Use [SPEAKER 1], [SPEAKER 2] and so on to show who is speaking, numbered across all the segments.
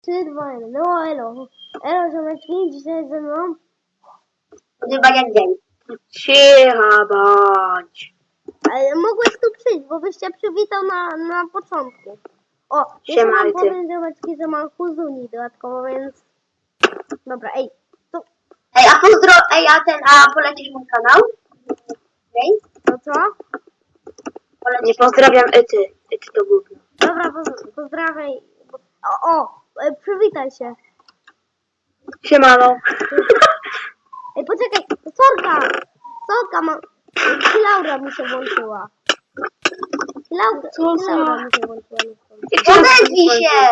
[SPEAKER 1] 3, 2, 1. No elo. Elo, ziomeczki, dzisiaj ze mną.
[SPEAKER 2] Chyba jak dzień. Cicha bądź.
[SPEAKER 1] Ale mogłeś tu przyjść, bo byś się przywitał na początku. O, jeszcze mam
[SPEAKER 2] Siemajcie.
[SPEAKER 1] powiem, ziomeczki, że mam Huzuni dodatkowo, więc... Dobra, ej, to...
[SPEAKER 2] A polecisz mój kanał? Okej.
[SPEAKER 1] No co?
[SPEAKER 2] Nie pozdrawiam Ety. Ety to gówno.
[SPEAKER 1] Dobra, pozdrawiaj. Przywitaj się.
[SPEAKER 2] Siemano.
[SPEAKER 1] Ej, poczekaj, Sorka, Laura mi się włączyła. Laura mi się włączyła.
[SPEAKER 2] Odezwij się!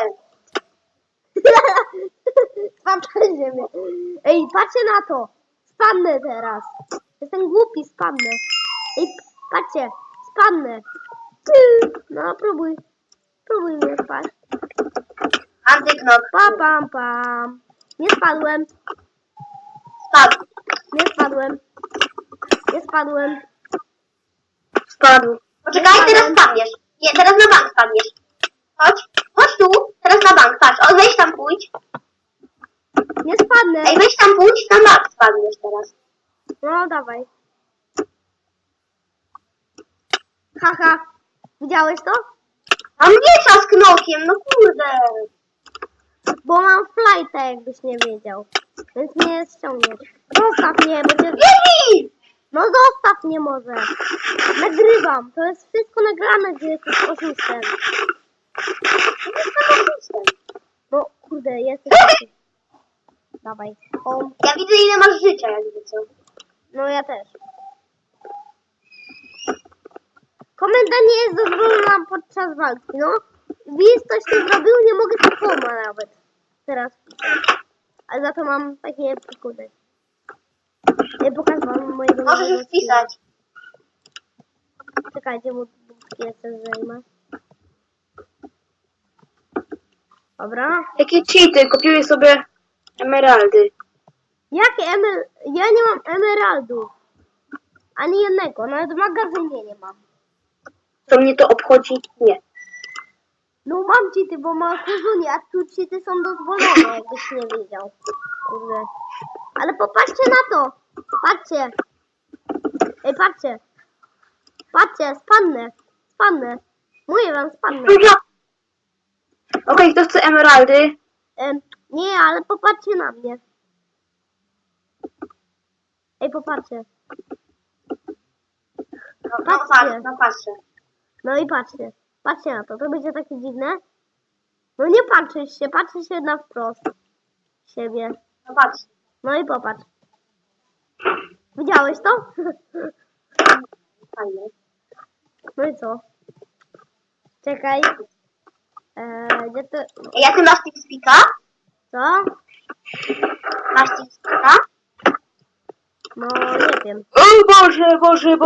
[SPEAKER 1] Patrzcie mnie. Ej, patrzcie na to. Spadnę teraz. Jestem głupi, spadnę. Ej, patrzcie, spadnę. No, próbuj. Próbuj mnie spać.
[SPEAKER 2] Antyknok.
[SPEAKER 1] Pam. Nie spadłem.
[SPEAKER 2] Spadł.
[SPEAKER 1] Nie spadłem.
[SPEAKER 2] Spadł. Poczekaj, teraz spadniesz. Nie, teraz na bank spadniesz. Chodź tu. Teraz na bank, patrz. O, weź tam pójdź.
[SPEAKER 1] Nie spadnę.
[SPEAKER 2] Ej, weź tam pójdź, na bank spadniesz teraz.
[SPEAKER 1] No, dawaj. Haha. Widziałeś to?
[SPEAKER 2] A mnie czas knokiem, no kurde.
[SPEAKER 1] Bo mam flighta, jakbyś nie wiedział. Więc mnie ściągniesz. Zostaw mnie, będzie...
[SPEAKER 2] Biegnij!
[SPEAKER 1] No zostaw mnie może. Nagrywam. To jest wszystko nagrane, gdzie jesteś oszustem. No kurde, jesteś... Dawaj. O,
[SPEAKER 2] Ja widzę, ile masz życia, jakby co.
[SPEAKER 1] no ja też. Komenda nie jest dozwolona podczas walki, no. Wiz coś tu zrobił, nie mogę to nawet. Teraz. Ale za to mam takie przykłady. Nie pokaż wam mojego...
[SPEAKER 2] Możesz już pisać.
[SPEAKER 1] Czekajcie, bo jeszcze zajmę. Dobra.
[SPEAKER 2] Jakie cheaty? Kupiłeś sobie emeraldy.
[SPEAKER 1] Jakie Ja nie mam emeraldów. Ani jednego, nawet w magazynie nie mam.
[SPEAKER 2] Co mnie to obchodzi? Nie.
[SPEAKER 1] No mam cheaty, bo mam Huzuni, a tu cheaty są dozwolone, jakbyś nie wiedział. Kurde. Ale popatrzcie na to. Patrzcie. Ej, patrzcie. Patrzcie, spadnę. Mówię wam, spadnę.
[SPEAKER 2] Okej, kto chce emeraldy?
[SPEAKER 1] Nie, ale popatrzcie na mnie. Ej, popatrzcie. Patrzcie.
[SPEAKER 2] Patrzę.
[SPEAKER 1] No i patrzcie. Patrzcie na to. To będzie takie dziwne. No nie patrzysz się na wprost siebie.
[SPEAKER 2] No patrz.
[SPEAKER 1] No i popatrz. Widziałeś to?
[SPEAKER 2] Fajnie.
[SPEAKER 1] No i co? Czekaj. Gdzie to...
[SPEAKER 2] Ja ty masz TeamSpeaka?
[SPEAKER 1] Co?
[SPEAKER 2] Masz TeamSpeaka?
[SPEAKER 1] No nie wiem.
[SPEAKER 2] O Boże!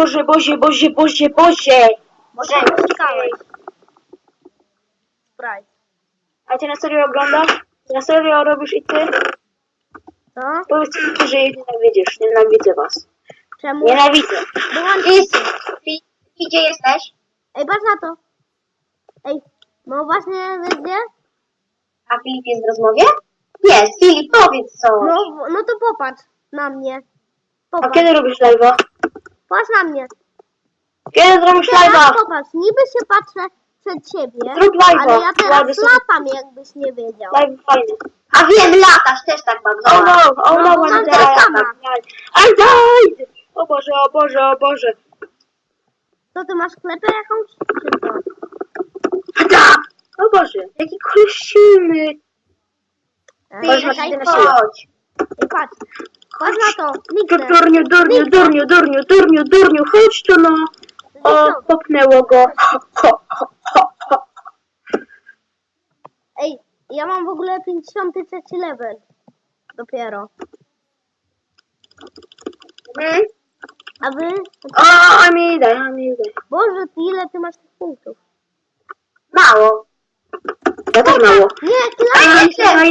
[SPEAKER 1] Może szukałeś. Sprite.
[SPEAKER 2] A ty na serio oglądasz? Ty na serio robisz i ty?
[SPEAKER 1] Co?
[SPEAKER 2] Powiedz mi, że jej nienawidzisz. Nienawidzę was.
[SPEAKER 1] Czemu?
[SPEAKER 2] Nienawidzę.
[SPEAKER 1] Wyłączyć.
[SPEAKER 2] Gdzie jesteś?
[SPEAKER 1] Ej, patrz na to. Ej, no właśnie, wiesz gdzie?
[SPEAKER 2] A Filip jest w rozmowie? Jest. Filip, powiedz co.
[SPEAKER 1] No to popatrz na mnie.
[SPEAKER 2] A
[SPEAKER 1] Popatrz.
[SPEAKER 2] kiedy robisz live'a?
[SPEAKER 1] Patrz na mnie.
[SPEAKER 2] Kiedy zrobisz
[SPEAKER 1] Teraz
[SPEAKER 2] live'a?
[SPEAKER 1] popatrz, niby się patrzę przed siebie,
[SPEAKER 2] Zrób live'a.
[SPEAKER 1] ale ja teraz
[SPEAKER 2] Ładny są-
[SPEAKER 1] latam, jakbyś nie wiedział.
[SPEAKER 2] Live fajny. A wiem, latasz też tak bardzo.
[SPEAKER 1] No, bo mam
[SPEAKER 2] one
[SPEAKER 1] tyle sama.
[SPEAKER 2] I died! O Boże.
[SPEAKER 1] To ty masz klepę jakąś? Czy co?
[SPEAKER 2] Da! O Boże, jaki koleś silny. Boże,
[SPEAKER 1] Czekaj,
[SPEAKER 2] na siłę. Chodź.
[SPEAKER 1] Ej, patrz. Patrz na to. Niknę.
[SPEAKER 2] Durniu, chodź tu no. O, popnęło go.
[SPEAKER 1] Ej, ja mam w ogóle 53 level. Dopiero. A wy?
[SPEAKER 2] O, Amidę.
[SPEAKER 1] Boże, ty ile ty masz tych punktów?
[SPEAKER 2] Mało. Ja też mało.
[SPEAKER 1] Nie, kila!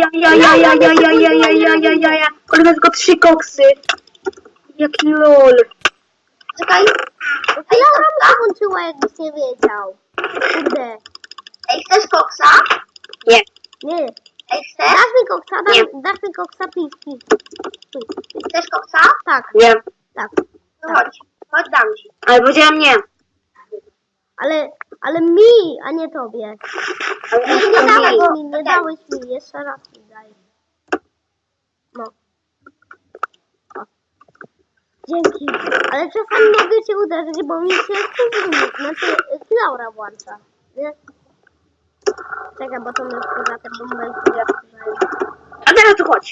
[SPEAKER 2] Ale ma tylko 3 koksy. Jaki lol. Czekaj.
[SPEAKER 1] Laura mi się włączyła, jakbyś nie wiedział. Kurde.
[SPEAKER 2] Ej, chcesz koksa? Nie.
[SPEAKER 1] Nie.
[SPEAKER 2] Ej, chcesz?
[SPEAKER 1] Dasz mi koksa,
[SPEAKER 2] Nie.
[SPEAKER 1] dasz mi koksa, please.
[SPEAKER 2] Chcesz koksa?
[SPEAKER 1] Tak,
[SPEAKER 3] Nie.
[SPEAKER 1] tak.
[SPEAKER 2] No chodź. Chodź, dam ci.
[SPEAKER 3] Ale powiedziałam nie.
[SPEAKER 1] Ale mi, a nie tobie.
[SPEAKER 3] Ale
[SPEAKER 1] Nie
[SPEAKER 3] to
[SPEAKER 1] dałeś
[SPEAKER 3] mi.
[SPEAKER 1] mi, nie dałeś mi, jeszcze raz mi daj. No. O. Dzięki. Ale czasami mogę cię uderzyć, bo mi się kuzyn, znaczy Laura włącza. Nie? Czekaj, bo to my za ten moment.
[SPEAKER 3] A teraz tu chodź.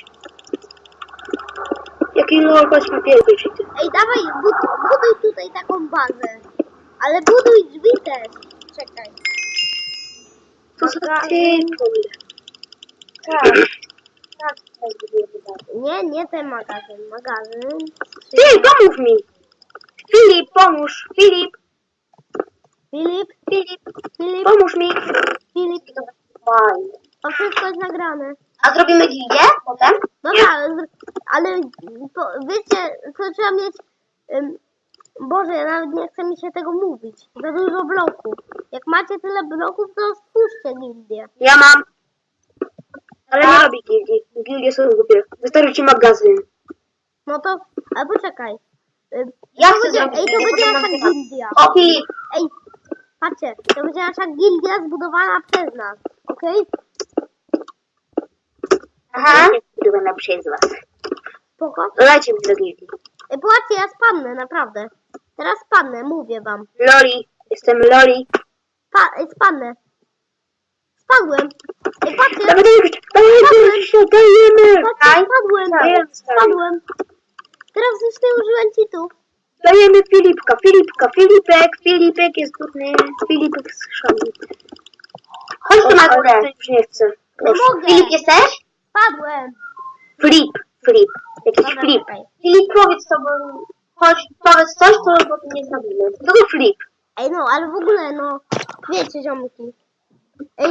[SPEAKER 3] Jaki no, chodź papierki czy ty.
[SPEAKER 1] Ej, dawaj, buduj tutaj taką bazę. Ale buduj drzwi też. Czekaj.
[SPEAKER 3] To są ty,
[SPEAKER 2] Tak. Tak, tutaj budujemy bazę.
[SPEAKER 1] Nie ten magazyn. Magazyn.
[SPEAKER 3] Ty, pomóż mi. Filip, pomóż. Filip,
[SPEAKER 1] Filip,
[SPEAKER 3] pomóż mi.
[SPEAKER 1] Filip.
[SPEAKER 2] Fajnie.
[SPEAKER 1] To wszystko jest nagrane.
[SPEAKER 2] A zrobimy gildię potem?
[SPEAKER 1] Dobra, ale wiecie, co trzeba mieć... Boże, ja nawet nie chcę mi się tego mówić. Za dużo bloków. Jak macie tyle bloków, to stwórzcie gildię.
[SPEAKER 3] Ja mam. Ale nie robi gildii. Gildie są głupie. Wystarczy ci magazyn.
[SPEAKER 1] No to... Ale poczekaj.
[SPEAKER 2] Ja
[SPEAKER 1] To
[SPEAKER 2] chcę
[SPEAKER 1] będzie,
[SPEAKER 2] zrobić
[SPEAKER 1] ej, to
[SPEAKER 2] gildię,
[SPEAKER 1] będzie
[SPEAKER 2] potem
[SPEAKER 1] nasza
[SPEAKER 2] nagrywam.
[SPEAKER 1] gildia.
[SPEAKER 2] O, Filip.
[SPEAKER 1] Ej, patrzcie, to będzie nasza gildia zbudowana przez nas. Okej?
[SPEAKER 2] Aha.
[SPEAKER 3] Byłem przez was.
[SPEAKER 1] Spoko?
[SPEAKER 3] Dodajcie mi do gildii.
[SPEAKER 1] Ej, patrzcie, ja spadnę, naprawdę. Teraz spadnę, mówię wam.
[SPEAKER 3] Loli. Jestem Loli.
[SPEAKER 1] Spadnę. Spadłem. Ej, patrzcie.
[SPEAKER 3] Dajemy. Dajemy.
[SPEAKER 1] Patrzcie, spadłem.
[SPEAKER 3] Dajemy.
[SPEAKER 1] Spadłem. Teraz już nie użyłem cheatów.
[SPEAKER 3] Dajemy Filipka. Filipek jest trudny. Filipek z szali.
[SPEAKER 2] Chodź tu na
[SPEAKER 3] Ale
[SPEAKER 2] górę.
[SPEAKER 3] to już nie chcę.
[SPEAKER 1] Nie mogę.
[SPEAKER 2] Filip, jesteś?
[SPEAKER 1] Spadłem.
[SPEAKER 3] Flip. Jakiś
[SPEAKER 1] Dobra,
[SPEAKER 3] flip.
[SPEAKER 1] czekaj.
[SPEAKER 2] Filip, powiedz to, bo... Chodź, powiedz coś, to bo to nie zrobimy.
[SPEAKER 3] Kogo flip?
[SPEAKER 1] Ej, no, ale w ogóle, no, wiecie, ziomki. Ej,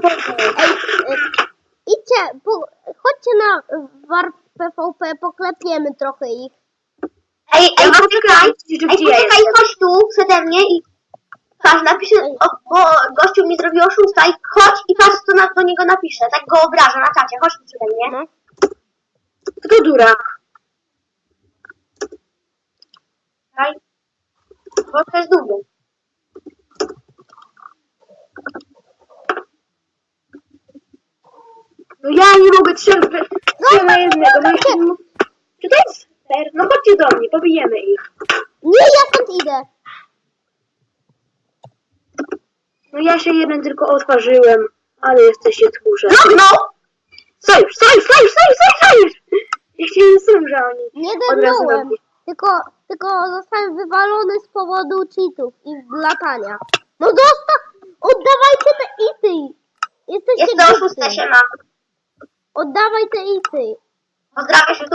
[SPEAKER 1] idźcie, chodźcie na Warp PvP, poklepiemy trochę ich.
[SPEAKER 2] Ej,
[SPEAKER 3] Ja mam
[SPEAKER 2] poczekaj.
[SPEAKER 3] tylko
[SPEAKER 2] Ej,
[SPEAKER 3] gdzie ja
[SPEAKER 2] poczekaj,
[SPEAKER 3] jestem.
[SPEAKER 2] chodź tu przede mnie i... Patrz, napiszę, bo gościu mi zrobił oszusta i chodź i patrz, co do niego napiszę. Tak go obrażę na czacie. Chodź tu przede mnie.
[SPEAKER 1] No.
[SPEAKER 3] Kto durak?
[SPEAKER 2] Czekaj. Bo to jest długo.
[SPEAKER 3] No ja nie mogę trzech na jednego. No i czy to jest fair? No chodźcie do mnie, pobijemy ich.
[SPEAKER 1] Nie, ja stąd idę.
[SPEAKER 3] No ja się jeden tylko otworzyłem, ale jesteście tchórze.
[SPEAKER 2] No!
[SPEAKER 3] Sojusz! Ja chciałem sam, że oni
[SPEAKER 1] Nie
[SPEAKER 3] od razu
[SPEAKER 1] dernąłem.
[SPEAKER 3] robią.
[SPEAKER 1] Tylko zostałem wywalony z powodu cheatów i latania. No oddawajcie te ity. Jesteście
[SPEAKER 2] Jest to
[SPEAKER 1] głupcy.
[SPEAKER 2] oszusta się ma.
[SPEAKER 1] Oddawaj te ity.
[SPEAKER 2] Pozdrawiasz się tu?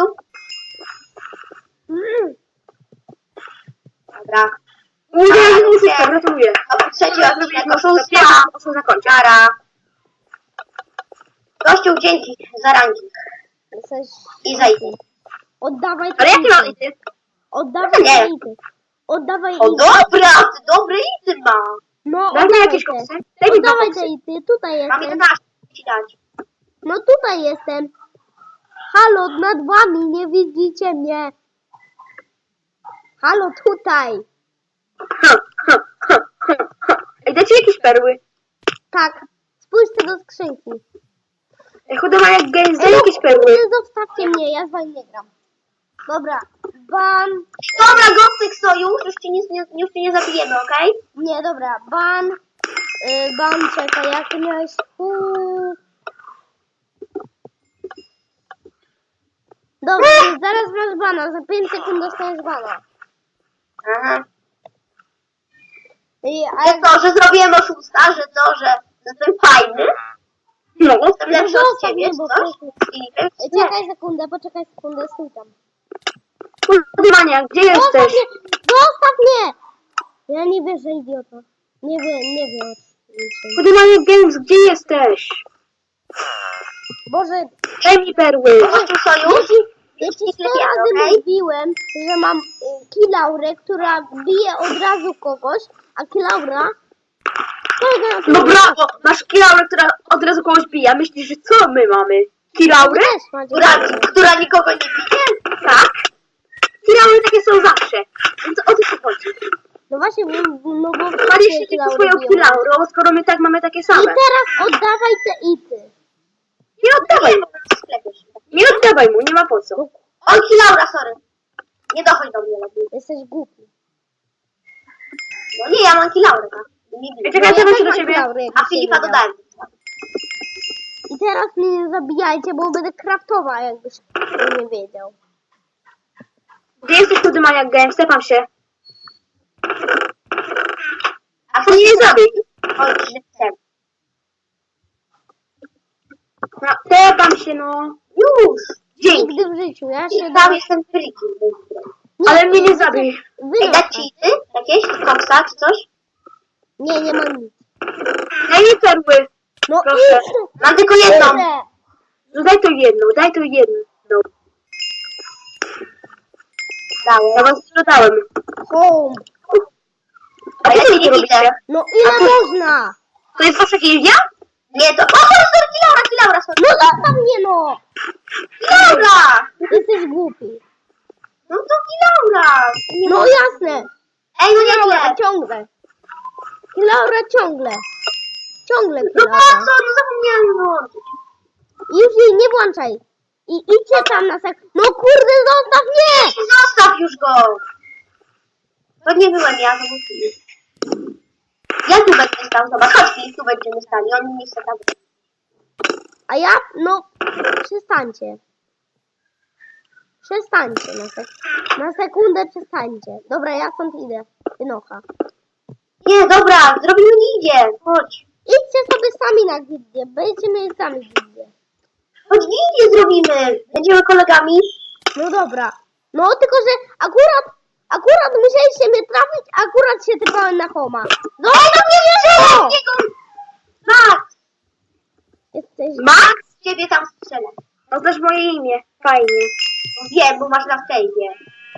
[SPEAKER 2] Dobra.
[SPEAKER 3] Uwaga, oszustka, gratuluję.
[SPEAKER 2] A po trzeci odcinek
[SPEAKER 3] Zrobiliśmy
[SPEAKER 2] oszustwa.
[SPEAKER 3] oszustwa zakończyć.
[SPEAKER 2] Nara. Gościu, dzięki za ranking.
[SPEAKER 1] Jesteś...
[SPEAKER 2] I za ity.
[SPEAKER 1] Oddawaj te
[SPEAKER 3] Ale jakie mam
[SPEAKER 1] ity.
[SPEAKER 3] ity?
[SPEAKER 1] Oddawaj
[SPEAKER 2] No nie.
[SPEAKER 1] te ity. Oddawaj
[SPEAKER 2] O
[SPEAKER 1] ity.
[SPEAKER 2] dobra, ty dobre ity ma.
[SPEAKER 1] No,
[SPEAKER 3] Daj mi
[SPEAKER 1] oddawaj
[SPEAKER 3] jakieś
[SPEAKER 1] te.
[SPEAKER 3] koksy. Daj mi dwa
[SPEAKER 1] Oddawaj
[SPEAKER 3] koksy.
[SPEAKER 1] te ity. Tutaj
[SPEAKER 2] Mam
[SPEAKER 1] jestem.
[SPEAKER 2] 11 ci dać.
[SPEAKER 1] No tutaj jestem. Halo, nad wami, nie widzicie mnie. Halo, tutaj.
[SPEAKER 3] Ej, dajcie jakieś perły.
[SPEAKER 1] Tak, spójrzcie do skrzynki.
[SPEAKER 3] Ej, chuda jak games, daj
[SPEAKER 1] Ej,
[SPEAKER 3] jakieś perły.
[SPEAKER 1] kurde, zostawcie mnie, ja z wami nie gram. Dobra, ban.
[SPEAKER 2] Dobra, Gostek Sojusz, już cię nie zabijemy, okej?
[SPEAKER 1] Nie, dobra, ban. Ban, czekaj, jak ty miałeś... Dobra, zaraz masz bana, za 5 sekund dostaniesz bana.
[SPEAKER 2] Aha.
[SPEAKER 1] A
[SPEAKER 2] Że to, że zrobiłem oszusta, że to, że jestem fajny,
[SPEAKER 3] No.
[SPEAKER 2] jestem lepszy od
[SPEAKER 1] zostaw
[SPEAKER 2] ciebie,
[SPEAKER 1] mnie,
[SPEAKER 2] czy
[SPEAKER 1] bo
[SPEAKER 2] coś?
[SPEAKER 1] proszę.
[SPEAKER 2] Filipek?
[SPEAKER 1] Czekaj sekundę, stój tam.
[SPEAKER 3] Chuda, gdzie jesteś?
[SPEAKER 1] Zostaw mnie! Ja nie wierzę, idiota. Nie wiem o niczym.
[SPEAKER 3] Chuda games, gdzie jesteś?
[SPEAKER 1] Boże,
[SPEAKER 3] Daj mi perły.
[SPEAKER 2] Gościu Sojusz?
[SPEAKER 1] ja ci 100
[SPEAKER 2] Sklepiamy,
[SPEAKER 1] razy
[SPEAKER 2] okej?
[SPEAKER 1] mówiłem, że mam Kilaurę, która bije od razu kogoś, a Kilaura
[SPEAKER 3] No brawo! Masz kilaurę, która od razu kogoś bije. A myślisz, że co my mamy? Kilaurę?
[SPEAKER 1] Też macie.
[SPEAKER 2] Która nikogo nie bije?
[SPEAKER 3] Tak. Kilaury takie są zawsze. Więc o co ci chodzi?
[SPEAKER 1] No właśnie, no bo...
[SPEAKER 3] Chwalisz się swoją kilaurą, skoro my tak mamy takie
[SPEAKER 1] I
[SPEAKER 3] same.
[SPEAKER 1] teraz oddawaj te ity.
[SPEAKER 3] Nie oddawaj mu.
[SPEAKER 2] W sklepie się.
[SPEAKER 3] Nie oddawaj mu, nie ma po co.
[SPEAKER 2] Oj, Laura, sorry. Nie dochodź do mnie lepiej.
[SPEAKER 1] Jesteś głupi.
[SPEAKER 2] No nie, ja mam Laurę, tak? Nie bije.
[SPEAKER 3] Czekaj,
[SPEAKER 1] No ja
[SPEAKER 3] ja
[SPEAKER 1] też
[SPEAKER 3] się do
[SPEAKER 1] mam
[SPEAKER 3] ciebie.
[SPEAKER 1] Laurę, jakbyś
[SPEAKER 2] A
[SPEAKER 1] się
[SPEAKER 2] Filipa
[SPEAKER 1] nie
[SPEAKER 2] dodałem.
[SPEAKER 1] I teraz mnie nie zabijajcie, bo będę kraftował, jakbyś nie wiedział.
[SPEAKER 3] Gdzie jesteś, tu Maniak Game? Stepam się.
[SPEAKER 2] A
[SPEAKER 3] To nie zabij.
[SPEAKER 2] Oj, żywcem.
[SPEAKER 3] No, stepam się, no.
[SPEAKER 2] Już!
[SPEAKER 3] Dzięki.
[SPEAKER 1] Nigdy w życiu, ja się...
[SPEAKER 2] I tam jestem frikiem.
[SPEAKER 3] Ale mnie nie zabij.
[SPEAKER 2] Ej, dać ci ty? Jakieś? Koksa czy coś?
[SPEAKER 1] Nie, nie mam nic.
[SPEAKER 3] Daj mi perły.
[SPEAKER 1] No
[SPEAKER 3] Proszę.
[SPEAKER 1] idź!
[SPEAKER 2] Mam tylko jedną.
[SPEAKER 1] Idę.
[SPEAKER 3] No daj to jedną. Ja
[SPEAKER 2] Dałem.
[SPEAKER 3] was sprzedałem.
[SPEAKER 1] Home.
[SPEAKER 3] A
[SPEAKER 2] A ja
[SPEAKER 3] co
[SPEAKER 2] się
[SPEAKER 3] wy
[SPEAKER 2] nie
[SPEAKER 3] tu robicie?
[SPEAKER 2] widzę.
[SPEAKER 1] No ile można?
[SPEAKER 3] To jest wasza gildia?
[SPEAKER 2] Nie, to... O, sorry, Laura, sorry.
[SPEAKER 1] No zostaw mnie no!
[SPEAKER 2] Laura!
[SPEAKER 1] Jesteś głupi.
[SPEAKER 2] No to Laura!
[SPEAKER 1] No jasne.
[SPEAKER 2] Ej, no nie
[SPEAKER 1] Laura
[SPEAKER 2] wiem.
[SPEAKER 1] ciągle. Laura ciągle. Ciągle
[SPEAKER 2] No po
[SPEAKER 1] Laura.
[SPEAKER 2] co? No zapomniałem włączyć.
[SPEAKER 1] Już jej nie włączaj. I idźcie tam na sek... No kurde, zostaw mnie!
[SPEAKER 2] Zostaw już go! To nie byłem ja, to był Filip. Ja tu będę stał, zobacz, chodź Filip, tu będziemy stali, oni nie chcą tam.
[SPEAKER 1] A ja, no, przestańcie. Przestańcie na sekundę przestańcie. Dobra, ja stąd idę. Wynocha.
[SPEAKER 2] Nie, dobra, zrobimy gildię, chodź.
[SPEAKER 1] Idźcie sobie sami na gildię. Będziecie mieli sami gildię.
[SPEAKER 2] Chodź gildię zrobimy. Będziemy kolegami.
[SPEAKER 1] No dobra. No tylko, że akurat musieliście mnie trafić, akurat się typałem na Homa. No
[SPEAKER 2] No nie wierzę!
[SPEAKER 1] O!
[SPEAKER 2] Max!
[SPEAKER 1] Jesteś...
[SPEAKER 3] Max?
[SPEAKER 2] Ciebie tam strzelę.
[SPEAKER 3] No też moje imię. Fajnie.
[SPEAKER 2] Wiem, bo masz na fejwie.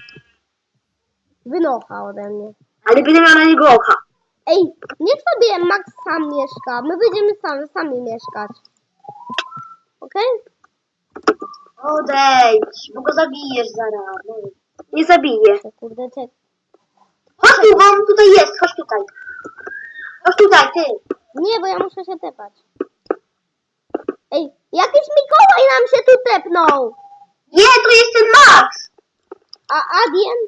[SPEAKER 1] Wynocha ode mnie.
[SPEAKER 3] Ale będę miał na niego oka.
[SPEAKER 1] Ej, niech sobie Max sam mieszka. My będziemy sami mieszkać. Okej?
[SPEAKER 2] Odejdź, bo go zabijesz zaraz. No.
[SPEAKER 3] Nie zabiję.
[SPEAKER 1] Kurde, czek.
[SPEAKER 2] Chodź tu, bo on tutaj jest, chodź tutaj. Chodź tutaj, ty.
[SPEAKER 1] Nie, bo ja muszę się tepać. Ej, jakiś Mikołaj nam się tu tepnął!
[SPEAKER 2] Nie, tu jest ten Max!
[SPEAKER 1] A Adien?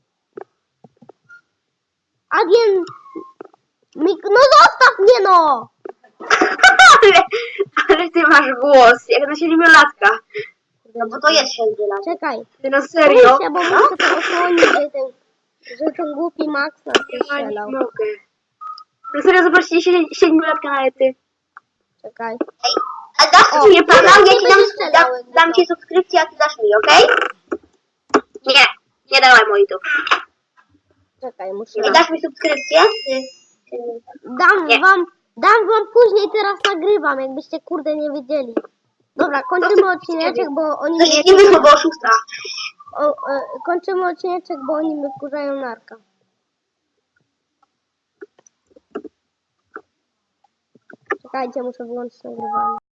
[SPEAKER 1] Adien... No zostaw mnie no!
[SPEAKER 3] ale ty masz głos, jak na 7-latka.
[SPEAKER 2] No bo to jest siedmiolat.
[SPEAKER 1] Czekaj.
[SPEAKER 3] Ty na serio?
[SPEAKER 1] Muszę, bo muszę to osłonić, że ten głupi Max nas
[SPEAKER 3] Ja nie
[SPEAKER 1] strzelał.
[SPEAKER 3] mogę. Na serio, zobaczcie 7-latka na ety.
[SPEAKER 1] Czekaj.
[SPEAKER 2] Ej, a dasz
[SPEAKER 1] O,
[SPEAKER 2] mi nie kanał, ja ci
[SPEAKER 1] nie
[SPEAKER 2] dam,
[SPEAKER 1] będzie strzelał, jakby
[SPEAKER 2] dam
[SPEAKER 1] to.
[SPEAKER 2] ci subskrypcję, a ty dasz mi, okej?
[SPEAKER 3] Nie, nie dawaj moi tu.
[SPEAKER 1] Czekaj, muszę...
[SPEAKER 2] Ej, dasz mi subskrypcję? Ty.
[SPEAKER 3] Nie.
[SPEAKER 1] Dam wam później, teraz nagrywam, jakbyście kurde nie wiedzieli. Dobra, kończymy odcineczek, bo oni
[SPEAKER 2] Coś nie wyszło, bo oszusta.
[SPEAKER 1] kończymy odcineczek, bo oni mnie wkurzają narka. Czekajcie, muszę wyłączyć nagrywanie.